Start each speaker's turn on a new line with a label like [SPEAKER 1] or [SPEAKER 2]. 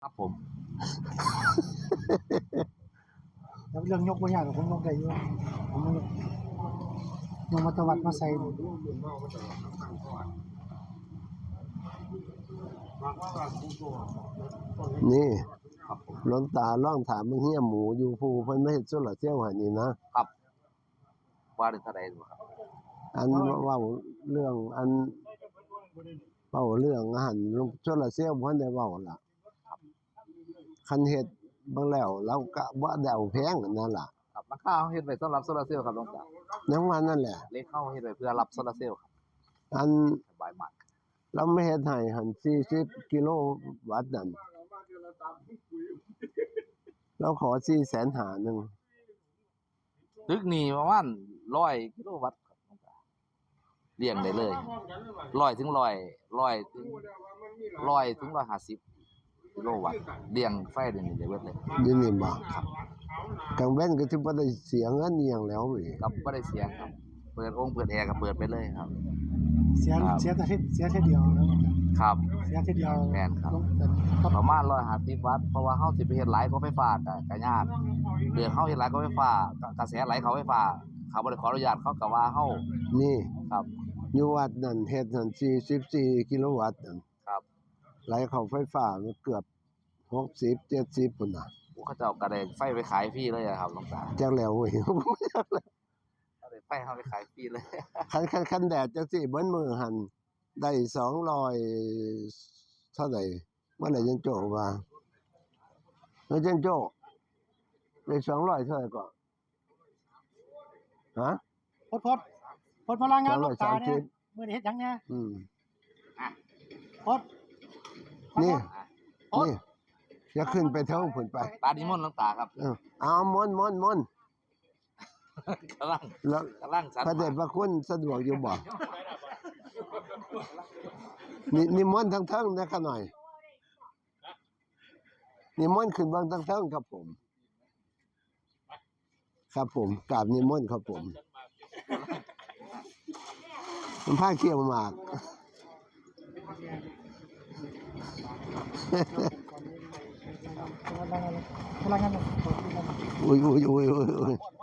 [SPEAKER 1] ครับผม
[SPEAKER 2] แล้วเรื่องยกบ่ยากผมยกได้อยู่ผมยกมาตวัดมาใส่
[SPEAKER 3] นี่
[SPEAKER 1] ครับผม
[SPEAKER 3] หลวงตาล่องถามมึงเฮียหมูอยู่ภูเพิ่นไม่เฮ็ดโซลาร์เซลล์ให้นี่นะครับ
[SPEAKER 1] ว่าได้เท่าใดบ่ครับ
[SPEAKER 3] อันเว้าเรื่องอันเว้าเรื่องอาหารโซลาร์เซลล์บ่ทันได้เว้าล่ะคันเฮ็ดเบิ่งแล้วเราก็บ่ได้เอาแพงนั่นล่ะ
[SPEAKER 1] ครับราคาเฮาเฮ็ดไว้สำหรับโซลาร์เซลล์ครับหลวงตา
[SPEAKER 3] ยังว่านั่นแหละ
[SPEAKER 1] เลขเฮาเฮ็ดไว้เพื่อรับโซลาร์เซลล์ครับ
[SPEAKER 3] อัน
[SPEAKER 1] สบายมาก
[SPEAKER 3] เราไม่เฮ็ดให้หัน40กิโลวัตต์นั่นเราขอ450,000นึง
[SPEAKER 1] ตึกนี่ประมาณ100กิโลวัตต์ครับหลวงตาเลี้ยงได้เลย100ถึง100ถึง150กิโลวัตต์เลี้ยงไฟได้นี่ได้เบิดเลย
[SPEAKER 3] อยู่นี่บ่กลางเว้นก็สิบ่ได้เสียเงินอีหยังแล้วอีก
[SPEAKER 1] ครับบ่ได้เสียครับเปิดองค์เปิดแอร์ก็เปิดไปเลยครับ
[SPEAKER 2] เสียแต่เสียแค่เดียวแล้ว
[SPEAKER 1] ครับ
[SPEAKER 2] เสียแค่เดียว
[SPEAKER 1] แม่นครับ
[SPEAKER 2] ครับ
[SPEAKER 1] ประมาณ150วัตต์เพราะว่าเฮาสิไปเฮ็ดหลายกว่าไฟฟ้าก็ยากเรื่องเฮาเฮ็ดหลายกว่าไฟฟ้ากระแสไหลเข้าไฟฟ้าเขาบ่ได้ขออนุญาตเขาก็ว่าเฮา
[SPEAKER 3] นี่
[SPEAKER 1] ครับ
[SPEAKER 3] อยู่วัดนั่นเฮ็ดนั่น44กิโลวัตต์นั่น
[SPEAKER 1] ครับ
[SPEAKER 3] ไหลเข้าไฟฟ้ามันเกือบ60 70พุ่นน่ะ
[SPEAKER 1] เขาเจ้าก็ได้ไฟไปขายฟรีเลยอะครับหลวงตา
[SPEAKER 3] จักแล้วเว้ย
[SPEAKER 1] เอาได้ไฟเฮาไปขายฟรีเลย
[SPEAKER 3] คันแดดจังซี่เบิ่นมื้อหั่นได้200เท่าใดเมื่อไหร่จังโจ้ว่าเฮ้ยจังโจ้ได้200เท่าไหร่ก่อนฮะ
[SPEAKER 2] พดพลังงานลูกตาเนี่ย
[SPEAKER 3] 230
[SPEAKER 2] มื้อนี้เฮ็ดหยังเนี่ย พด
[SPEAKER 3] นี่
[SPEAKER 2] พด
[SPEAKER 3] นี่อย่าขึ้นไปเทิงพุ่นไป
[SPEAKER 1] ตานิมนต์หลวงตาครับ
[SPEAKER 3] เอามนต์
[SPEAKER 1] กำลัง
[SPEAKER 3] แล้ว
[SPEAKER 1] สัน
[SPEAKER 3] พระเดชพระคุณสะดวกอยู่บ่นิมนต์ทั้งเทิงนะครับหน่อยนิมนต์ขึ้นเบิ่งทั้งเทิงครับผม ครับผมกราบนิมนต์ครับผมมันผ้าเขี้ยวหมาก
[SPEAKER 2] พลังงาน
[SPEAKER 3] อุ้ย